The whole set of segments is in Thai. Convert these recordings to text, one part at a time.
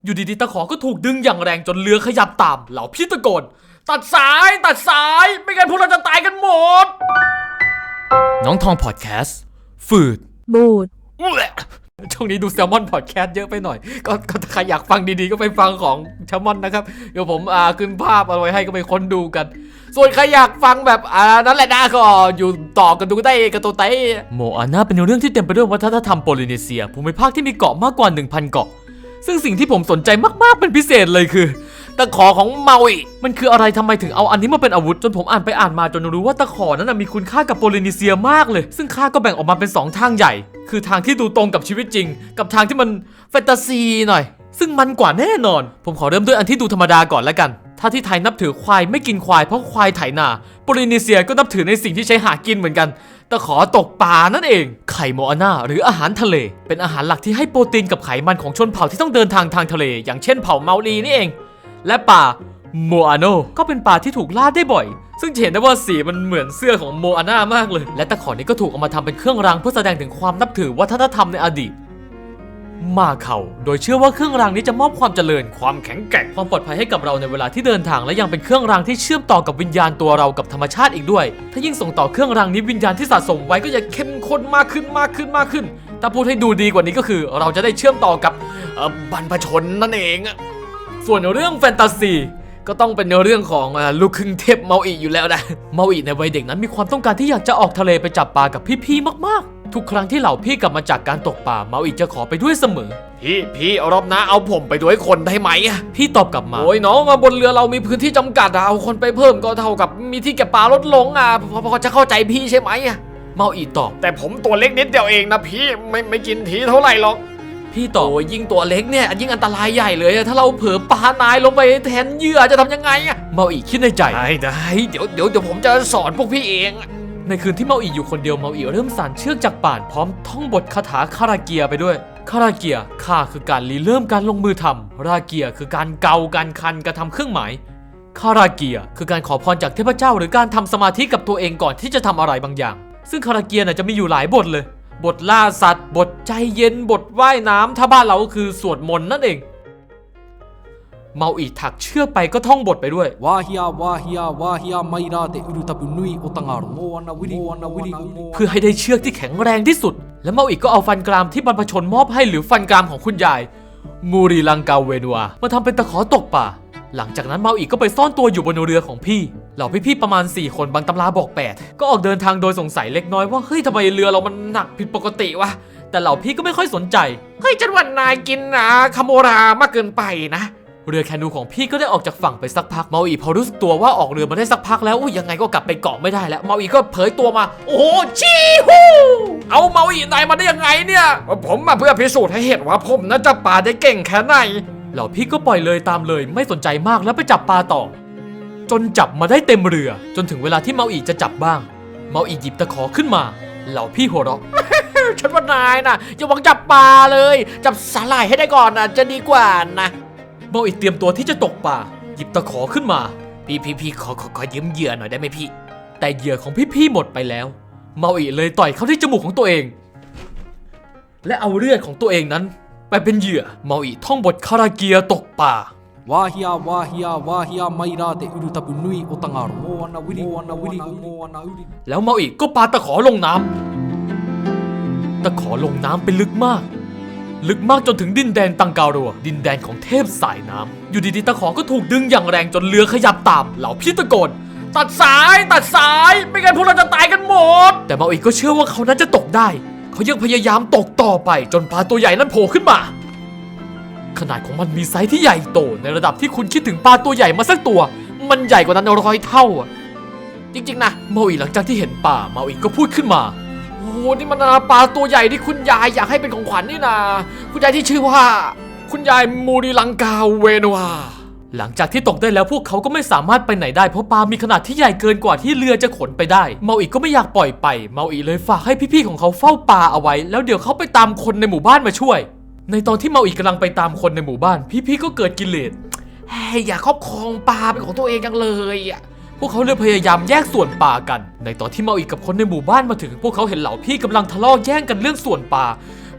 อยู่ดีๆตะขอก็ถูกดึงอย่างแรงจนเรือขยับตามเหล่าพี่ตะโกนตัดสายไม่งั้นพวกเราจะตายกันหมดน้องทองพอดแคสต์ฝืดบูดช่วงนี้ดูแซลมอนพอดแคสต์เยอะไปหน่อยก็ใครอยากฟังดีๆก็ไปฟังของแซลมอนนะครับเดี๋ยวผมขึ้นภาพเอาไว้ให้ก็ไปค้นดูกันส่วนใครอยากฟังแบบนั่นแหละนะก็อยู่ต่อกันดูได้กันตัวไต้โมอาน่าเป็นเรื่องที่เต็มไปด้วยวัฒนธรรมโพลินีเซียภูมิภาคที่มีเกาะมากกว่า 1,000 เกาะซึ่งสิ่งที่ผมสนใจมากๆเป็นพิเศษเลยคือตะขอของเมาอิมันคืออะไรทำไมถึงเอาอันนี้มาเป็นอาวุธจนผมอ่านไปอ่านมาจนรู้ว่าตะขอนั้นมีคุณค่ากับโพลินีเซียมากเลยซึ่งค่าก็แบ่งออกมาเป็น2ทางใหญ่คือทางที่ดูตรงกับชีวิตจริงกับทางที่มันแฟนตาซีหน่อยซึ่งมันกว่าแน่นอนผมขอเริ่มด้วยอันที่ดูธรรมดาก่อนแล้วกันถ้าที่ไทยนับถือควายไม่กินควายเพราะควายไถนาโพลินีเซียก็นับถือในสิ่งที่ใช้หากินเหมือนกันตะขอตกปลานั่นเองไข่โมอาน่าหรืออาหารทะเลเป็นอาหารหลักที่ให้โปรตีนกับไขมันของชนเผ่าที่ต้องเดินทางทะเลอย่างเช่นเผ่าเมาลีนี่เองและปลาโมอาโนก็เป็นปลาที่ถูกล่าได้บ่อยซึ่งเห็นได้ว่าสีมันเหมือนเสื้อของโมอาน่ามากเลยและตะขอนี้ก็ถูกเอามาทำเป็นเครื่องรางเพื่อแสดงถึงความนับถือวัฒนธรรมในอดีตมาเขาโดยเชื่อว่าเครื่องรางนี้จะมอบความเจริญความแข็งแกร่งความปลอดภัยให้กับเราในเวลาที่เดินทางและยังเป็นเครื่องรางที่เชื่อมต่อกับวิญญาณตัวเรากับธรรมชาติอีกด้วยถ้ายิ่งส่งต่อเครื่องรางนี้วิญญาณที่สะสมไว้ก็จะเข้มข้นมากขึ้นถ้าพูดให้ดูดีกว่านี้ก็คือเราจะได้เชื่อมต่อกับบรรพชนนั่นเองส่วนเรื่องแฟนตาซีก็ต้องเป็นเรื่องของลูกครึ่งเทพเมาอิอยู่แล้วนะเมาอิในวัยเด็กนั้นมีความต้องการที่อยากจะออกทะเลไปจับปลากับพี่ๆมากๆทุกครั้งที่เหล่าพี่กลับมาจากการตกปลาเมาอิจะขอไปด้วยเสมอพี่รอบหน้าเอาผมไปด้วยคนได้ไหมพี่ตอบกลับมาโอ้ยน้องบนเรือเรามีพื้นที่จำกัดเอาคนไปเพิ่มก็เท่ากับมีที่เก็บปลาลดลงพอจะเข้าใจพี่ใช่ไหมเมาอิตอบแต่ผมตัวเล็กนิดเดียวเองนะพี่ไม่กินทีเท่าไหร่หรอกพี่ต่อยิ่งตัวเล็กเนี่ยยิ่งอันตรายใหญ่เลยถ้าเราเผลอปานายลงไปแทนเหยื่อจะทำยังไงเมาอิคิดในใจได้เดี๋ยวผมจะสอนพวกพี่เองในคืนที่เมาอิอยู่คนเดียวเมาอิเริ่มสานเชือกจากป่านพร้อมท่องบทคาถาคาราเกียไปด้วยคาราเกียค่าคือการริเริ่มการลงมือทำราเกียคือการเกาการคันกระทำเครื่องหมายคาราเกียคือการขอพรจากเทพเจ้าหรือการทำสมาธิกับตัวเองก่อนที่จะทำอะไรบางอย่างซึ่งคาราเกียจะมีอยู่หลายบทเลยบทล่าสัตว์บทใจเย็นบทว่ายน้ำถ้าบ้านเราก็คือสวดมนต์นั่นเองเมาอิถักเชือกไปก็ท่องบทไปด้วยวาฮิยาไมราเตอุรุตาบุนุยโอตังอาร์โมวานาวิริเพื่อให้ได้เชือกที่แข็งแรงที่สุดและเมาอิก็เอาฟันกรามที่บรรพชนมอบให้หรือฟันกรามของคุณยายมูริลังกาเวนัวมาทำเป็นตะขอตกป่าหลังจากนั้นเมาอิก็ไปซ่อนตัวอยู่บนเรือของพี่เหล่าพี่ๆประมาณ4คนบางตำราบอก8ก็ออกเดินทางโดยสงสัยเล็กน้อยว่าเฮ้ยทำไมเรือเรามันหนักผิดปกติวะแต่เหล่าพี่ก็ไม่ค่อยสนใจเฮ้ยจันวันนายกินคาโมรามากเกินไปนะเรือแคนูของพี่ก็ได้ออกจากฝั่งไปสักพักเมาอิพอรู้สึกตัวว่าออกเรือมาได้สักพักแล้วยังไงก็กลับไปเกาะไม่ได้แล้วเมาอิก็เผยตัวมาโอ้โหชีฮูเอาเมาอินายมาได้ยังไงเนี่ยผมมาเพื่อพิสูจน์ให้เห็นว่าผมน่าจะปลาได้เก่งแค่ไหนเหล่าพี่ก็ปล่อยเลยตามเลยไม่สนใจมากแล้วไปจับปลาต่อจนจับมาได้เต็มเรือจนถึงเวลาที่เมาอิจะจับบ้างเมาอิหยิบตะขอขึ้นมาเหล่าพี่หัวเราะ ฉันว่านายนะอย่าหวังจับปลาเลยจับสาหร่ายให้ได้ก่อนจะดีกว่านะเมาอิเตรียมตัวที่จะตกปลาหยิบตะขอขึ้นมาพี่ขอยืมเหยื่อหน่อยได้ไหมพี่แต่เหยื่อของพี่หมดไปแล้วเมาอิเลยต่อยเข้าที่จมูกของตัวเองและเอาเลือดของตัวเองนั้นไปเป็นเหยื่อเมาอิท่องบทคาราเกียตกป่าวาฮิยาไมราเตอุรุตาบุนุยโอตังอาร์โมวานาวิริแล้วเมาอิก็ปาตะขอลงน้ำตะขอลงน้ำไปลึกมากจนถึงดินแดนตังการัวดินแดนของเทพสายน้ำอยู่ดีๆตะขอก็ถูกดึงอย่างแรงจนเรือขยับตามเหล่าพี่ตะโกนตัดสายไม่งั้นพวกเราจะตายกันหมดแต่เมาอิก็เชื่อว่าเขานั้นจะตกได้เขายังพยายามตกต่อไปจนปลาตัวใหญ่นั้นโผล่ขึ้นมาขนาดของมันมีไซส์ที่ใหญ่โตในระดับที่คุณคิดถึงปลาตัวใหญ่มาสักตัวมันใหญ่กว่านั้น100 เท่าจริงๆนะเมาอิหลังจากที่เห็นปลาเมาอิก็พูดขึ้นมาโอ้นี่มันปลาตัวใหญ่ที่คุณยายอยากให้เป็นของขวัญนี่นะคุณยายที่ชื่อว่าคุณยายมูริลังกาเวนัวหลังจากที่ตกได้แล้วพวกเขาก็ไม่สามารถไปไหนได้เพราะปลามีขนาดที่ใหญ่เกินกว่าที่เรือจะขนไปได้เมาอิก็ไม่อยากปล่อยไปเมาอิเลยฝากให้พี่ๆของเขาเฝ้าปลาเอาไว้แล้วเดี๋ยวเขาไปตามคนในหมู่บ้านมาช่วยในตอนที่เมาอิกำลังไปตามคนในหมู่บ้านพี่ๆก็เกิดกิเลสอยากครอบครองปลาเป็นของตัวเองจังเลยพวกเขาเลยพยายามแยกส่วนปลากันในตอนที่เมาอิกับคนในหมู่บ้านมาถึงพวกเขาเห็นเหล่าพี่กำลังทะเลาะแย่งกันเรื่องส่วนปลา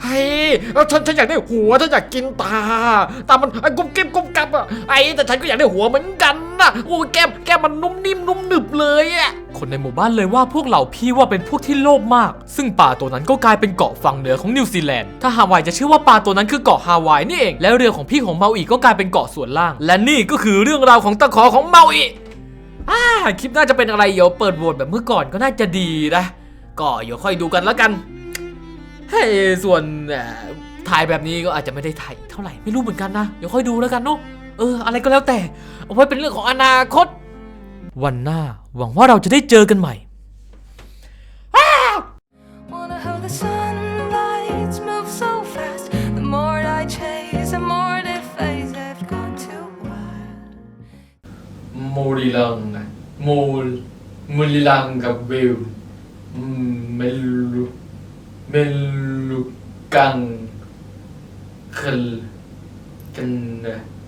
เฮ้ยฉันอยากได้หัวฉันอยากกินตามันกุ๊บกิ๊บกุ๊บกับอ่ะแต่ฉันก็อยากได้หัวเหมือนกันนะโอ้แก้มมันนุ่มนิ่มนุ่มหนึบเลยอ่ะคนในหมู่บ้านเลยว่าพวกเหล่าพี่ว่าเป็นพวกที่โลภมากซึ่งปลาตัวนั้นก็กลายเป็นเกาะฝั่งเหนือของนิวซีแลนด์ถ้าฮาวายจะเชื่อว่าปลาตัวนั้นคือเกาะฮาวายนี่เองแล้วเรือของพี่ของเมาอีก็กลายเป็นเกาะส่วนล่างและนี่ก็คือเรื่องราวของตะขอของเมาอีคลิปน่าจะเป็นอะไรเดี๋ยวเปิดโหวตแบบเมื่อก่อนก็น่าจะดีนะก็เดี๋ยวค่อยดูกันแล้วกันให้ส่วนถ่ายแบบนี้ก็อาจจะไม่ได้ถ่ายเท่าไหร่ไม่รู้เหมือนกันนะเดี๋ยวค่อยดูแล้วกันเนาะอะไรก็แล้วแต่เอาไว้เป็นเรื่องของอนาคตวันหน้าหวังว่าเราจะได้เจอกันใหม่ Wonder how the sunlights move so fast. The more I chase, the more they fade. They've gone too wild. มูริลังกับวิวเมลูกังกัน